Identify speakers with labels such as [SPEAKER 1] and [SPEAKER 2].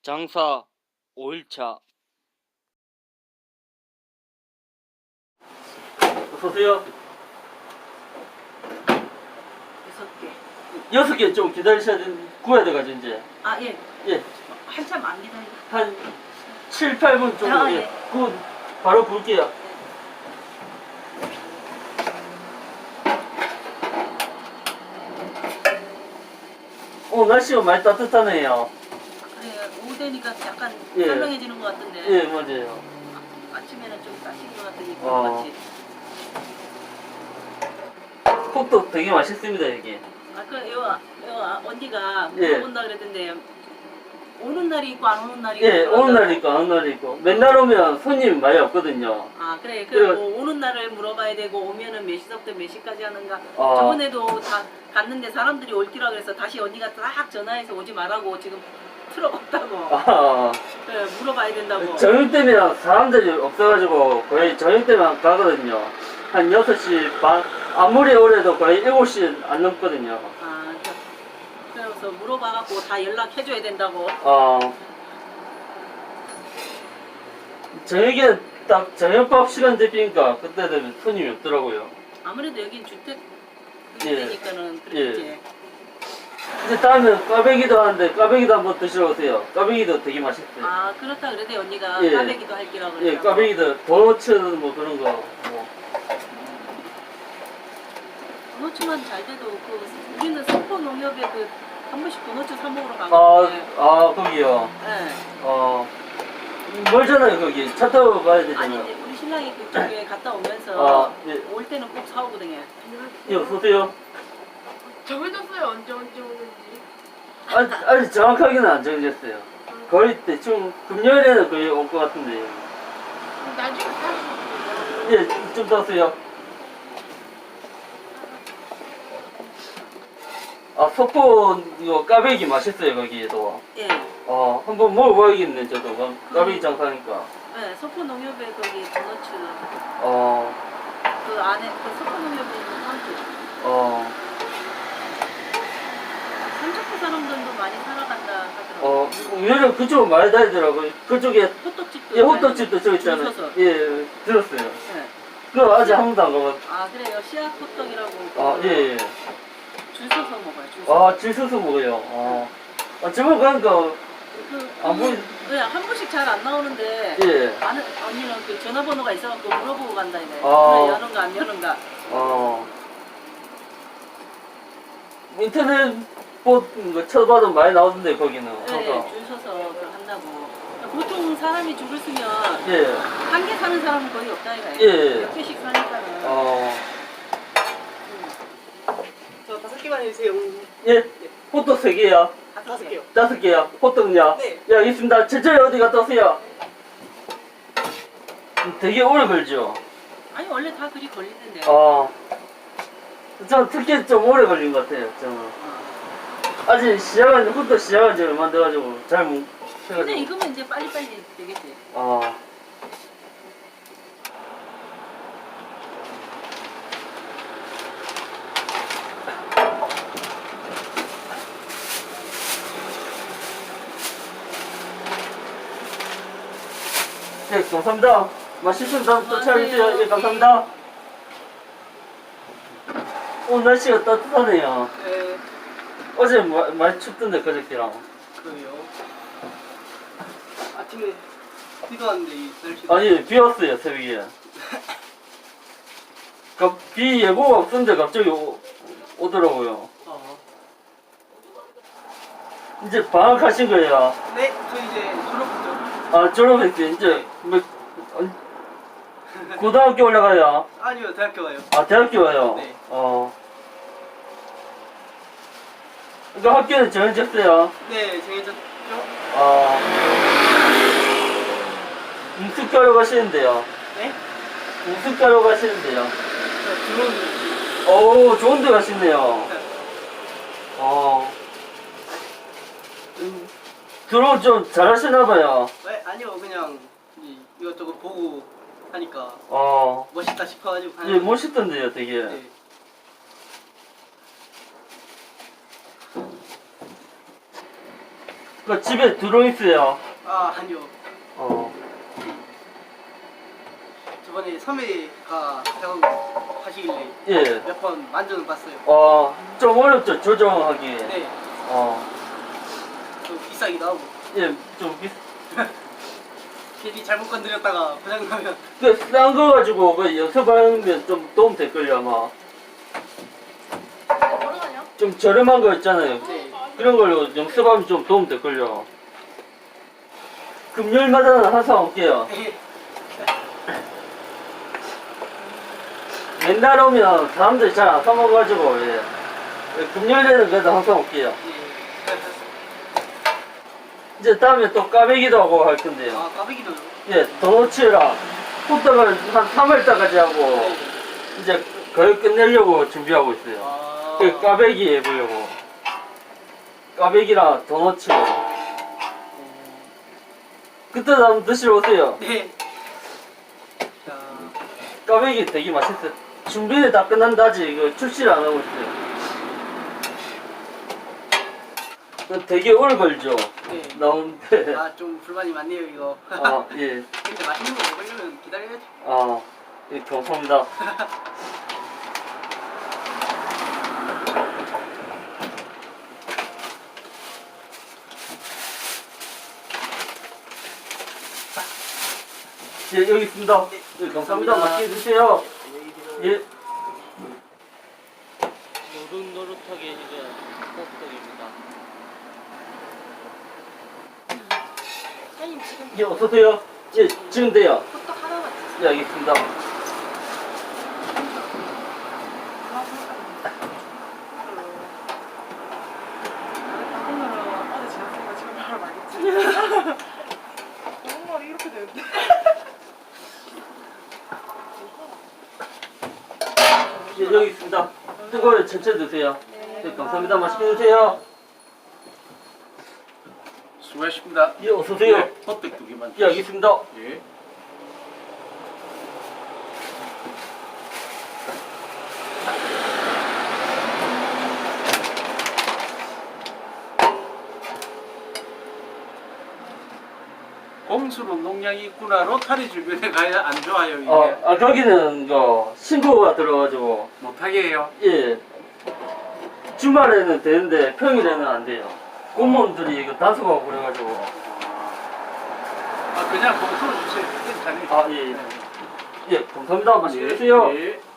[SPEAKER 1] 장사 5일차. 어서오세요.
[SPEAKER 2] 6개.
[SPEAKER 1] 6개 좀 기다리셔야 구워야 돼가지고 이제.
[SPEAKER 2] 아, 예.
[SPEAKER 1] 예.
[SPEAKER 2] 한참 안 기다려.
[SPEAKER 1] 한 7, 8분 정도.
[SPEAKER 2] 아,
[SPEAKER 1] 예.
[SPEAKER 2] 예.
[SPEAKER 1] 그 바로 부을게요. 날씨가 많이 따뜻하네요.
[SPEAKER 2] 그래, 오후 되니까 약간
[SPEAKER 1] 예.
[SPEAKER 2] 선명해지는 것 같은데.
[SPEAKER 1] 예, 맞아요.
[SPEAKER 2] 아침에는 좀 따신 것 같더니
[SPEAKER 1] 어.
[SPEAKER 2] 같이.
[SPEAKER 1] 콕도 되게 맛있습니다, 여기.
[SPEAKER 2] 요 언니가
[SPEAKER 1] 예.
[SPEAKER 2] 물어본다 그랬던데 오는 날이 있고 안 오는 날이
[SPEAKER 1] 예,
[SPEAKER 2] 있고.
[SPEAKER 1] 오는 날 있고, 안 오는 날 있고. 맨날 오면 손님이 많이 없거든요.
[SPEAKER 2] 아, 그래.
[SPEAKER 1] 그래가-
[SPEAKER 2] 뭐 오는 날을 물어봐야 되고 오면은 몇 시부터 몇 시까지 하는가.
[SPEAKER 1] 아.
[SPEAKER 2] 저번에도 다 갔는데 사람들이 올기라 그래서 다시 언니가 딱 전화해서 오지 말라고 지금 틀어봤다고.
[SPEAKER 1] 아,
[SPEAKER 2] 그래, 물어봐야 된다고.
[SPEAKER 1] 저녁 때면 사람들이 없어가지고 거의 저녁 때만 가거든요. 한 6시 반, 아무리 오래도 거의 7시 안 넘거든요.
[SPEAKER 2] 아, 그래서 물어봐갖고 다 연락해줘야 된다고.
[SPEAKER 1] 저녁에 딱 저녁밥 시간 되니까 그때 되면 손님이 없더라고요.
[SPEAKER 2] 아무래도 여긴 주택
[SPEAKER 1] 예.
[SPEAKER 2] 되니까는 그렇지.
[SPEAKER 1] 이제 다음에 꽈배기도 하는데 꽈배기도 한번 드시러 오세요. 꽈배기도 되게 맛있어요.
[SPEAKER 2] 아, 그렇다 그래도 언니가
[SPEAKER 1] 예.
[SPEAKER 2] 까베기도 할 기라고
[SPEAKER 1] 예,
[SPEAKER 2] 그러더라고.
[SPEAKER 1] 꽈배기도 도너츠 뭐 그런 거. 뭐.
[SPEAKER 2] 도너츠만 잘 돼도 우리는 석포 농협에 한 번씩 도너츠 사 먹으러
[SPEAKER 1] 아,
[SPEAKER 2] 가거든요.
[SPEAKER 1] 거기요.
[SPEAKER 2] 네.
[SPEAKER 1] 멀잖아요, 거기. 차 타고 가야
[SPEAKER 2] 아니
[SPEAKER 1] 되잖아요.
[SPEAKER 2] 이제 우리 신랑이 그쪽에 갔다 오면서
[SPEAKER 1] 예.
[SPEAKER 2] 올 때는 꼭 사오거든요.
[SPEAKER 1] 예, 어서오세요.
[SPEAKER 3] 정해졌어요. 언제 오는지.
[SPEAKER 1] 아직 정확하게는 안 정해졌어요. 거의 대충 금요일에는 거의 올 것 같은데.
[SPEAKER 3] 나중에 살수 있어요.
[SPEAKER 1] 예, 좀 더세요. 석포 이거 까베기 맛있어요, 거기에도.
[SPEAKER 2] 예.
[SPEAKER 1] 한번 먹어봐야겠네, 저도. 까베기 장사니까.
[SPEAKER 2] 네, 석포 농협에 거기 도너츠
[SPEAKER 1] 어,
[SPEAKER 2] 그 안에 석포 농협에 있는 상주. 삼척포 사람들도 많이 살아간다 하더라고요.
[SPEAKER 1] 의외로 그쪽 많이 다니더라고요. 그쪽에,
[SPEAKER 2] 호떡집도
[SPEAKER 1] 예, 호떡집도 저기
[SPEAKER 2] 줄
[SPEAKER 1] 있잖아요.
[SPEAKER 2] 서서.
[SPEAKER 1] 예, 들었어요.
[SPEAKER 2] 네.
[SPEAKER 1] 그거 아직 한 번도 안 가봤.
[SPEAKER 2] 아, 그래요. 씨앗 호떡이라고.
[SPEAKER 1] 예, 예.
[SPEAKER 2] 줄 서서 먹어요. 줄 서서.
[SPEAKER 1] 줄 서서 먹어요. 저번 가니까,
[SPEAKER 2] 한 번씩 잘 안 나오는데
[SPEAKER 1] 예.
[SPEAKER 2] 아는 언니는 그 전화번호가 있어갖고 물어보고 간다 이래.
[SPEAKER 1] 아.
[SPEAKER 2] 그래, 여는가 안 여는가.
[SPEAKER 1] 인터넷 뭐 쳐봐도 많이 나오던데, 거기는.
[SPEAKER 2] 네,
[SPEAKER 1] 항상.
[SPEAKER 2] 줄 서서 그걸 한다고. 보통 사람이 줄을 쓰면
[SPEAKER 1] 예.
[SPEAKER 2] 한 개 사는 사람은 거의 없다 이거예요.
[SPEAKER 1] 예.
[SPEAKER 2] 몇 개씩 사니까는.
[SPEAKER 3] 저 5개만 해주세요.
[SPEAKER 1] 예. 호떡 3개요.
[SPEAKER 2] 5개.
[SPEAKER 1] 5개요. 호떡요.
[SPEAKER 3] 네.
[SPEAKER 1] 예, 알겠습니다. 천천히 어디 갔다 오세요. 되게 오래 걸죠?
[SPEAKER 2] 아니 원래 다 그리 걸리던데.
[SPEAKER 1] 전 특히 좀 오래 걸린 것 같아요, 저는. 아직 호떡 시작한 지 얼마 안 돼가지고, 잘 못,
[SPEAKER 2] 근데
[SPEAKER 1] 해가지고.
[SPEAKER 2] 이거면 이제 빨리빨리 되겠지.
[SPEAKER 1] 네, 감사합니다. 맛있으면 다음 또 찾아주세요. 예, 감사합니다. 오늘 날씨가 따뜻하네요.
[SPEAKER 3] 네.
[SPEAKER 1] 어제 많이 춥던데, 그저께랑.
[SPEAKER 3] 그래요. 아침에 비도 왔는데 이 날씨가.
[SPEAKER 1] 아니, 비 왔어요, 새벽에. 비 예보가 없었는데 갑자기 오더라고요. 이제 방학하신 거예요?
[SPEAKER 3] 네, 저 이제 졸업했죠.
[SPEAKER 1] 졸업했어요. 이제, 고등학교 올라가요?
[SPEAKER 3] 아니요, 대학교 가요.
[SPEAKER 1] 대학교 와요?
[SPEAKER 3] 네.
[SPEAKER 1] 그러니까 학교는 정해졌어요?
[SPEAKER 3] 네, 정해졌죠.
[SPEAKER 1] 무슨 과로 가시는데요?
[SPEAKER 3] 네?
[SPEAKER 1] 무슨 과로 가시는데요?
[SPEAKER 3] 저 들어오는.
[SPEAKER 1] 오, 좋은 데 가시네요. 들어온 좀 잘하시나봐요.
[SPEAKER 3] 네, 아니요, 그냥 이것저것 보고 하니까 멋있다 싶어가지고
[SPEAKER 1] 예, 멋있던데요, 되게.
[SPEAKER 3] 네.
[SPEAKER 1] 그 집에 들어있어요.
[SPEAKER 3] 아 아니요.
[SPEAKER 1] 어.
[SPEAKER 3] 저번에 선배가 작업하시길래
[SPEAKER 1] 예.
[SPEAKER 3] 몇 번 만져는 봤어요.
[SPEAKER 1] 좀 어렵죠, 조정하기.
[SPEAKER 3] 네. 좀 비싸기도 하고.
[SPEAKER 1] 예, 좀
[SPEAKER 3] 괜히 잘못 건드렸다가 고장나면.
[SPEAKER 1] 싼 거 가지고 그 연습하면 좀 도움 될걸요, 아마. 좀 저렴한 거 있잖아요.
[SPEAKER 3] 네.
[SPEAKER 1] 그런 걸로 연습하면 좀 도움 될걸요. 금요일마다는 항상 올게요.
[SPEAKER 3] 네.
[SPEAKER 1] 맨날 오면 사람들이 잘 안 사먹어가지고, 예. 금요일에는 그래도 항상 올게요.
[SPEAKER 3] 네.
[SPEAKER 1] 이제 다음에 또 까베기도 하고 할 건데요.
[SPEAKER 3] 아 까베기도요?
[SPEAKER 1] 예, 도너츠랑 호떡을 한 3월달까지 하고,
[SPEAKER 3] 네.
[SPEAKER 1] 이제 거의 끝내려고 준비하고 있어요.
[SPEAKER 3] 아.
[SPEAKER 1] 그 까베기 해보려고. 까베기랑 도너츠. 그때도 한번 드시러 오세요.
[SPEAKER 3] 네. 자,
[SPEAKER 1] 까베기 되게 맛있어요. 준비는 다 끝난다 아직 이거 출시를 안 하고 있어요. 되게 오래 걸죠.
[SPEAKER 3] 네.
[SPEAKER 1] 나오는데.
[SPEAKER 3] 아 좀 불만이 많네요 이거.
[SPEAKER 1] 아, 예.
[SPEAKER 3] 근데 맛있는 거 먹으려면 기다려야죠.
[SPEAKER 1] 아, 예, 감사합니다. 예, 여기 있습니다. 예, 감사합니다. 맛있게 드세요. 예. 노릇노릇하게 이제 호떡입니다.
[SPEAKER 2] 사장님 지금
[SPEAKER 1] 예, 어서오세요. 예, 지금 돼요.
[SPEAKER 2] 호떡 하나만 주세요.
[SPEAKER 1] 예, 알겠습니다.
[SPEAKER 2] 정말 이렇게 되는데.
[SPEAKER 1] 예, 여기 있습니다. 뜨거워요. 천천히 드세요. 네, 감사합니다. 맛있게 드세요.
[SPEAKER 4] 수고하십니다.
[SPEAKER 1] 예, 어서오세요.
[SPEAKER 4] 네, 호떡 2개만.
[SPEAKER 1] 예, 알겠습니다.
[SPEAKER 4] 예. 공수로 농약이 있구나. 로타리 주변에 가야 안 좋아요, 이게.
[SPEAKER 1] 거기는 신고가 들어가지고,
[SPEAKER 4] 못하게 해요.
[SPEAKER 1] 예. 주말에는 되는데 평일에는 안 돼요. 공무원들이 이거 단속하고 그래가지고.
[SPEAKER 4] 그냥 공수로 주세요. 괜찮아요.
[SPEAKER 1] 아, 예. 예, 감사합니다. 맛있게 드세요.
[SPEAKER 4] 예.